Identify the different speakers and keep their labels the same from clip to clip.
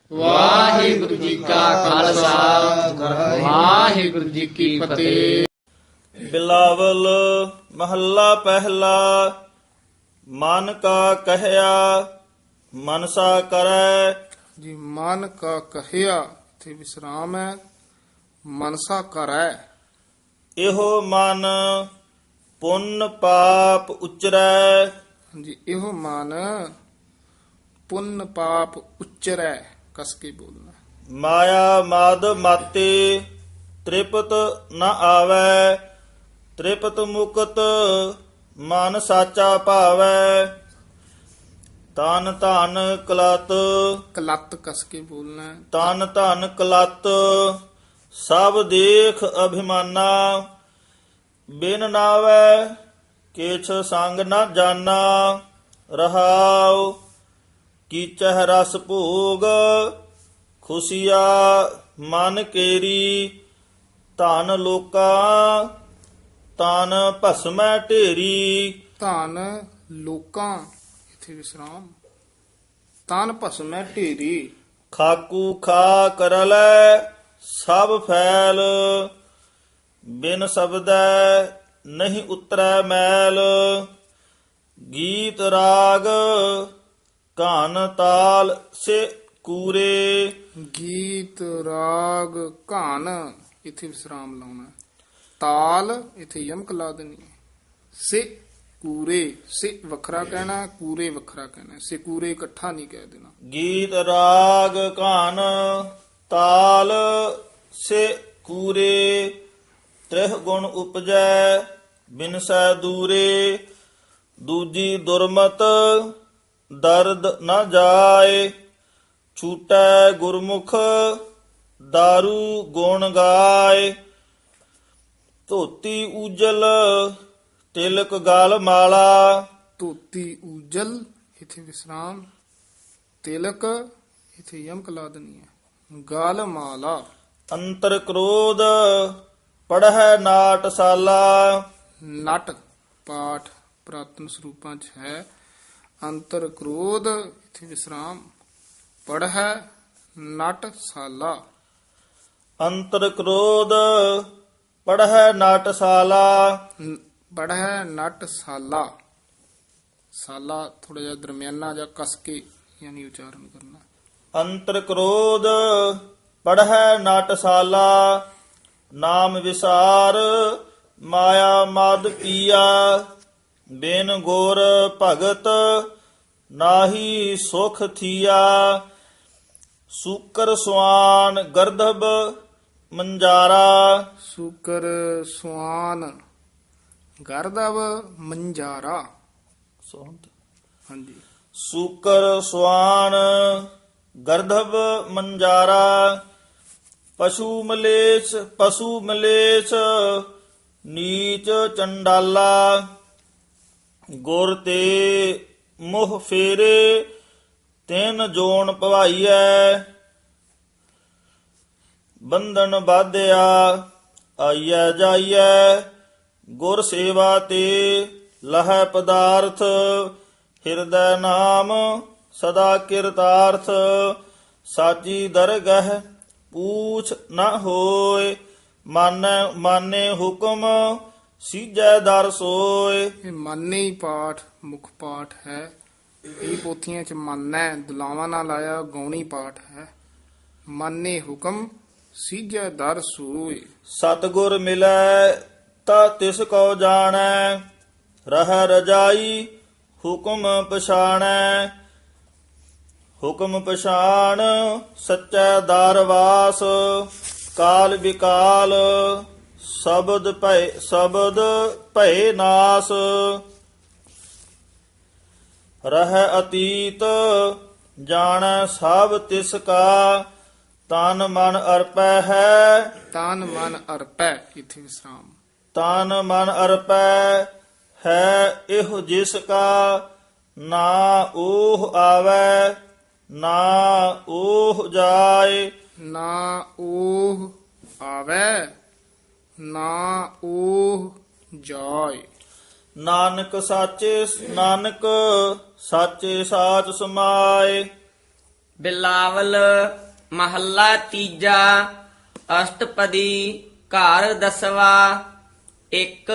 Speaker 1: ਵਾਹਿਗੁਰੂ ਜੀ ਕਾ ਖਾਲਸਾ ਵਾਹਿਗੁਰੂ ਜੀ ਕੀ ਫਤਿਹ।
Speaker 2: ਬਿਲਾਵਲ ਮਹੱਲਾ ਪਹਿਲਾ। ਮਨ ਕਾ ਕਹਿਆ ਮਨਸਾ ਕਰੈ।
Speaker 3: ਜੀ ਮਨ ਕਾ ਕਹਿਆ ਇਥੇ ਵਿਸਰਾਮ ਹੈ। ਮਨਸਾ ਕਰੈ
Speaker 2: ਇਹੋ ਮਨ ਪੁੰਨ ਪਾਪ ਉਚਰੈ।
Speaker 3: ਜੀ ਇਹੋ ਮਨ ਪੁੰਨ ਪਾਪ ਉਚਰੈ ਕਸ ਕੇ ਬੋਲਣਾ।
Speaker 2: ਮਾਇਆ ਮਦ ਮਾਤੇ ਤ੍ਰਿਪਤ ਨ ਆਵੈ। ਤ੍ਰਿਪਤ ਮੁਕਤ ਮਨ ਸਾਚਾ ਭਾਵੈ। ਤਨ ਧਨ ਕਲਤ
Speaker 3: ਕਲਤ ਕਸ ਕੇ ਬੋਲਣਾ।
Speaker 2: ਤਨ ਧਨ ਕਲਤ ਸਭ ਦੇਖ ਅਭਿਮਾਨਾ। ਬਿਨ ਨਾਵੈ ਕਿਛ ਸੰਗ ਨ ਜਾਣਾ। ਰਹਾਉ ਕੀਚਹਿ ਰਸ ਭੋਗ ਖੁਸ਼ੀਆ ਮਨ ਕੇਰੀ। ਧਨ ਲੋਕਾ ਤਨ ਭਸਮੈ ਢੇਰੀ।
Speaker 3: ਧਨ ਲੋਕਾਂ ਇਥੇ ਵਿਸਰਾਮ। ਤਨ ਭਸਮੈ ਢੇਰੀ।
Speaker 2: ਖਾਕੂ ਖਾ ਕਰਲੈ ਸਭ ਫੈਲ। ਬਿਨ ਸ਼ਬਦੈ ਨਹੀਂ ਉਤਰੈ ਮੈਲ। ਗੀਤ ਰਾਗ ਘਨ ਤਾਲ ਸੇ ਕੂਰੇ।
Speaker 3: ਗੀਤ ਰਾਗ ਘਾਨ ਇਥੇ ਵਿਸਰਾਮ ਲਾਉਣਾ। ਤਾਲ ਇਥੇ ਯਮਕ ਲਾ ਦੇਣੀ ਹੈ। ਸੇ ਕੂਰੇ ਸੇ ਵੱਖਰਾ ਕਹਿਣਾ, ਕੂਰੇ ਵੱਖਰਾ ਕਹਿਣਾ। ਸੇ ਕੂਰੇ ਇਕੱਠਾ ਨਹੀਂ ਕਹਿ ਦੇਣਾ।
Speaker 2: ਗੀਤ ਰਾਗ ਘਨ ਤਾਲ ਸੇ ਕੂਰੇ। ਤ੍ਰਿਹ ਗੁਣ ਉਪਜੈ ਬਿਨਸੈ ਦੂਰੇ। ਦੂਜੀ ਦੁਰਮਤ ਦਰਦ ਨ ਜਾਏ। ਛੂਟੈ ਗੁਰਮੁਖ ਦਾਰੂ ਗੁਣ ਗਾਏ। ਧੋਤੀ ਉਜਲ ਤਿਲਕ ਗਲ ਮਾਲਾ।
Speaker 3: ਧੋਤੀ ਉਜਲ ਇਥੇ ਵਿਸਰਾਮ। ਤਿਲਕ ਇਥੇ ਯਮਕ ਲਾ ਦੇਣੀ ਹੈ। ਗਲ ਮਾਲਾ।
Speaker 2: ਅੰਤਰ ਕ੍ਰੋਧ ਪੜ੍ਹੈ ਨਾਟਸਾਲਾ।
Speaker 3: ਨਟ ਪਾਠ ਪ੍ਰਾਤਨ ਸਰੂਪਾਂ ਚ ਹੈ। ਅੰਤਰ ਕ੍ਰੋਧ ਇਥੇ ਵਿਸਰਾਮ। ਪੜ੍ਹੈ ਨਟ ਸਾਲਾ।
Speaker 2: ਅੰਤਰ ਕ੍ਰੋਧ ਪੜ੍ਹੈ ਨਾਟਸਾਲਾ।
Speaker 3: ਪੜ੍ਹੈ ਨਟ ਸਾਲਾ। ਸਾਲਾ ਥੋੜਾ ਜਿਹਾ ਦਰਮਿਆਨਾ ਜਾਂ ਕਸ ਕੇ ਯਾਨੀ ਉਚਾਰਨ ਕਰਨਾ।
Speaker 2: ਅੰਤਰ ਕ੍ਰੋਧ ਪੜ੍ਹੈ ਨਾਟਸਾਲਾ। ਨਾਮ ਵਿਸਾਰ ਮਾਇਆ ਮਦ ਪੀਆ। ਬਿਨ ਗੁਰ ਭਗਤ ਨਾਹੀ ਸੁਖ ਥੀਆ। ਸੂਕਰ ਸੁਆਨ ਗਰਦਬ ਮੰਜਾਰਾ।
Speaker 3: ਸੂਕਰ ਸੁਆਨ ਗਰਦਵ ਮੰਜਾਰਾ। ਹਾਂਜੀ।
Speaker 2: ਸੂਕਰ ਸੁਆਨ ਗਰਦਬ ਮੰਜਾਰਾ। ਪਸ਼ੂ ਮਲੇਛ ਨੀਚ ਚੰਡਾਲਾ। ਗੁਰ ਤੇ ਮੋਹ ਫੇਰੇ ਤਿੰਨ ਜੋਨ ਭਵਾਈਐ। ਬੰਧਨ ਬਾਧਿਆ ਆਈਐ ਜਾਈਐ। ਗੁਰ ਸੇਵਾ ਤੇ ਲਹੈ ਪਦਾਰਥ। ਹਿਰਦੈ ਨਾਮ ਸਦਾ ਕਿਰਤਾਰਥ। ਸਾਚੀ ਦਰਗਹਿ ਪੂਛ ਨ ਹੋਏ। ਮਾਨੇ ਹੁਕਮ ਸੀਜੈ ਦਰ ਸੋਏ।
Speaker 3: ਇਹ ਮਾਨੇ ਹੀ ਪਾਠ ਮੁੱਖ ਪਾਠ ਹੈ। ਇਹ ਪੋਥੀਆਂ ਚ ਮਾਨੈ ਦੁਲਾਵਾਂ ਨਾਲ ਆਇਆ ਗੌਣੀ ਪਾਠ ਹੈ। ਮਾਨੇ ਹੁਕਮ ਸੀਜੈ ਦਰ ਸੋਏ।
Speaker 2: ਸਤਿਗੁਰ ਮਿਲੈ ਤਾ ਤਿਸ ਕੋ ਜਾਣੈ। ਰਹਿ ਰਜਾਈ ਹੁਕਮ ਪਛਾਣੈ। ਹੁਕਮ ਪਛਾਣ ਸੱਚੈ ਦਰਵਾਸ। ਕਾਲ ਵਿਕਾਲ ਸ਼ਬਦ ਭਏ ਨਾਸ। ਰਹਿ ਅਤੀਤ ਜਾਣੈ ਸਭ ਤਿਸ ਕਾ। ਤਨ ਮਨ ਅਰਪੈ ਹੈ।
Speaker 3: ਤਨ ਮਨ ਅਰਪੈ ਇਥੇ ਵਿਸਰਾਮ।
Speaker 2: ਤਨ ਮਨ ਅਰਪੈ ਹੈ ਇਹੋ ਜਿਸ ਕਾ। ਨਾ ਓਹ ਆਵੈ ਨਾ ਓਹ ਜਾਏ।
Speaker 3: ਨਾ ਓਹ ਆਵੈ ਨਾ ਓਹ ਜਾਏ।
Speaker 2: ਨਾਨਕ ਸਾਚੇ ਸਾਚ ਸਮਾਏ।
Speaker 4: ਬਿਲਾਵਲ ਮਹੱਲਾ ਤੀਜਾ। ਅਸ਼ਟਪਦੀ ਘਰ ਦਸਵਾ। ਇੱਕ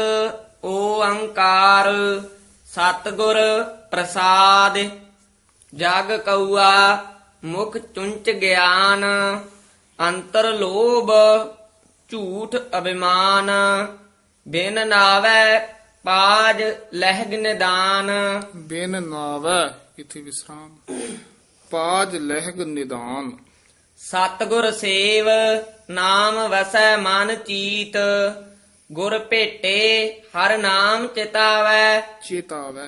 Speaker 4: ਓੰਕਾਰ ਸਤਿਗੁਰ ਪ੍ਰਸਾਦ। ਜਗ ਕਉਆ ਮੁਖ ਚੁੰਚ ਗਿਆਨ। ਅੰਤਰ ਲੋਭ ਝੂਠ ਅਭਿਮਾਨ। ਬਿਨ ਨਾਵੈ ਪਾਜ ਲਹਿਗ ਨਿਦਾਨ।
Speaker 3: ਬਿਨ ਨਾਵੈ ਇਥੇ ਵਿਸਰਾਮ। ਪਾਜ ਲਹਿਗ ਨਿਦਾਨ।
Speaker 4: ਸਤਿਗੁਰ ਸੇਵ ਨਾਮ ਵਸੈ ਮਨ ਚੀਤ। ਗੁਰ ਭੇਟੇ ਹਰ ਨਾਮ ਚਿਤਾਵੈ।
Speaker 3: ਚੇਤਾਵੈ।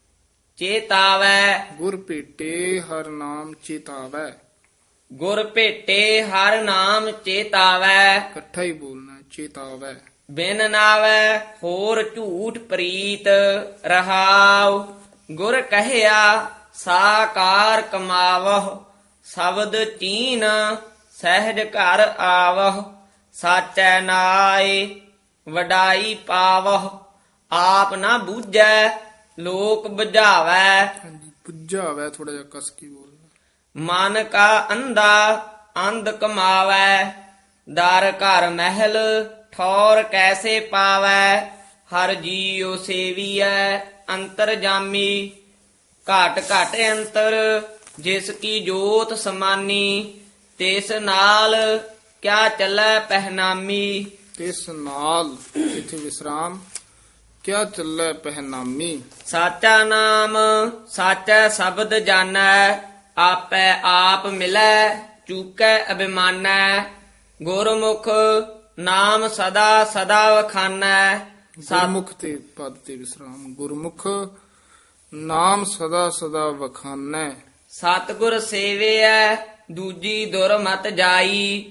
Speaker 4: ਚੇਤਾਵੈ
Speaker 3: ਗੁਰ ਭੇਟੇ ਹਰ ਨਾਮ ਚੇਤਾਵੈ।
Speaker 4: ਗੁਰ ਭੇਟੇ ਹਰ ਨਾਮ ਚੇਤਾਵੈ।
Speaker 3: ਇਕੱਠਾ ਹੀ ਬੋਲਣਾ ਚੇਤਾਵੈ।
Speaker 4: ਬਿਨ ਨਾਵੈ ਹੋਰ ਝੂਠ ਪ੍ਰੀਤ। ਰਹਾਉ ਗੁਰ ਕਹਿਆ ਸਾਕਾਰ ਕਮਾਵਹੁ। ਸ਼ਬਦ ਚੀਨ ਸਹਿਜ ਘਰ ਆਵਹੁ। ਸਾਚੈ ਨਾਏ ਵਡਾਈ ਪਾਵਹੁ। ਆਪ ਨਾ ਬੂਝੈ ਲੋਕ ਬੁਝਾਵੈ।
Speaker 3: ਹਾਂਜੀ ਪੁੱਜਾਵੈ ਥੋੜਾ ਜਿਹਾ ਕਸ ਕੇ ਬੋਲਣਾ।
Speaker 4: ਮਨ ਕਾ ਅੰਧਾ ਅੰਧ ਕਮਾਵੈ। ਦਰ ਘਰ ਮਹਿਲ ਠੌਰ ਕੈਸੇ ਪਾਵੈ। ਹਰ ਜੀਉ ਸੇਵੀਐ ਅੰਤਰ ਜਾਮੀ। ਘਟ ਘਟ ਅੰਤਰ ਜਿਸ ਕੀ ਜੋਤ ਸਮਾਨੀ। ਤਿਸ ਨਾਲ ਕਿਆ ਚੱਲੈ ਪਹਿਨਾਮੀ।
Speaker 3: ਇਸ ਨਾਲ ਇਥੇ ਵਿਸਰਾਮ। ਕਿਆ ਚੱਲੈ ਪਹਿਨਾਮੀ।
Speaker 4: ਸਾਚਾ ਨਾਮ ਸਾਚਾ ਸ਼ਬਦ ਜਾਣੈ। ਆਪੈ ਆਪ ਮਿਲੈ ਚੂਕੈ ਅਭਿਮਾਨੈ। ਗੁਰਮੁਖ ਨਾਮ ਸਦਾ ਸਦਾ ਵਖਾਨੈ।
Speaker 3: ਗੁਰਮੁਖ ਤੇ ਪਦ ਤੇ ਵਿਸਰਾਮ। ਗੁਰਮੁਖ ਨਾਮ ਸਦਾ ਸਦਾ ਵਖਾਨੈ।
Speaker 4: ਸਤਿਗੁਰ ਸੇਵਿਐ ਦੂਜੀ ਦੁਰ ਮਤ ਜਾਈ।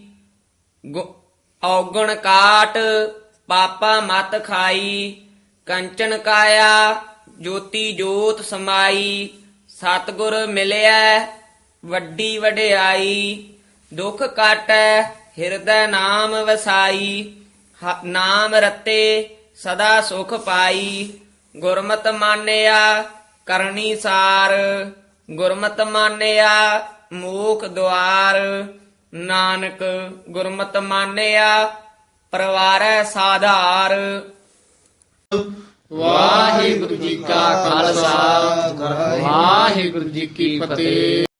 Speaker 4: ਔਗਣ ਕਾਟ ਪਾਪਾ ਮਤ ਖਾਈ। ਕੰਚਨ ਕਾਇਆ ਜੋਤੀ ਜੋਤ ਸਮਾਈ। ਸਤਿਗੁਰ ਮਿਲਿਆ ਵੱਡੀ ਵਡਿਆਈ। ਦੁਖ ਕਾਟੈ ਹਿਰਦੈ ਨਾਮ ਵਸਾਈ। ਨਾਮ ਰਤੇ ਸਦਾ ਸੁਖ ਪਾਈ। ਗੁਰਮਤਿ ਮਾਨਿਆ ਕਰਨੀ ਸਾਰ। ਗੁਰਮਤਿ ਮਾਨਿਆ ਮੋਖ ਦੁਆਰ। ਨਾਨਕ ਗੁਰਮਤਿ ਮਾਨਿਆ ਪਰਵਾਰੈ ਸਾਧਾਰ।
Speaker 1: ਵਾਹਿਗੁਰੂ ਜੀ ਕਾ ਖਾਲਸਾ ਵਾਹਿਗੁਰੂ ਜੀ ਕੀ ਫਤਿਹ।